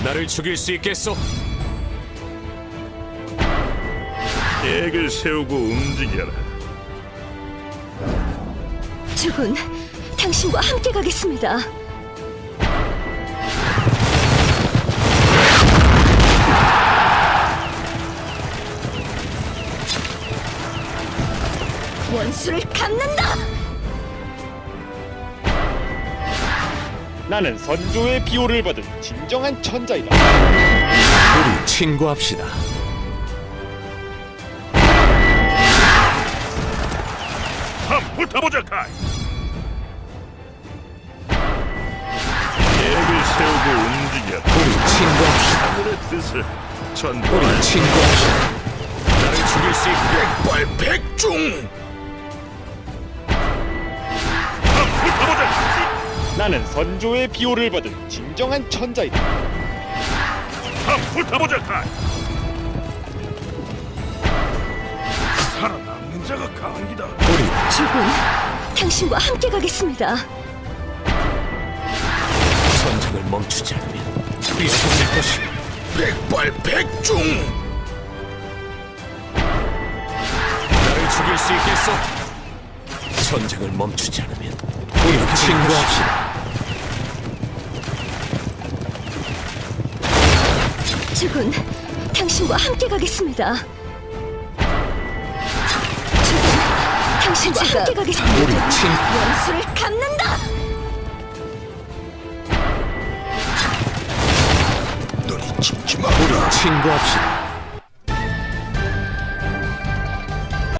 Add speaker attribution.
Speaker 1: 나를 죽일 수 있겠소?
Speaker 2: 계획을 세우고 움직여라.
Speaker 3: 주군, 당신과 함께 가겠습니다. 원수를 갚는다!
Speaker 4: 나는 선조의 비호를 받은 진정한 천자이다.
Speaker 1: 우리 친구합시다.
Speaker 2: 한번 붙어보자, 카이. 계획을 세우고 움직여라.
Speaker 1: 우리 친구합시다.
Speaker 2: 하늘의 뜻을
Speaker 1: 우리
Speaker 2: 전달할
Speaker 1: 친구합시다. 나를 죽일 수 있게
Speaker 2: 백발백중. 한번 붙어보자, 카이.
Speaker 4: 나는 선조의 비호를 받은 진정한 천자이다.
Speaker 2: 한번 붙어보자, 카이. 살아남는 자가 강이다.
Speaker 1: 우리
Speaker 3: 주군, 당신과 함께 가겠습니다.
Speaker 1: 전쟁을 멈추지 않으면 위험해질 것이오.
Speaker 2: 백발백중.
Speaker 1: 나를 죽일 수 있겠소? 전쟁을 멈추지 않으면 우리 친구합시다.
Speaker 3: 주군, 당신과 함께 가겠습니다. 주군, 당신과 함께 가겠습니다.
Speaker 1: 우리 친
Speaker 3: 원수를 갚는다!
Speaker 2: 눈이 침침하.
Speaker 1: 우리 친구합시다.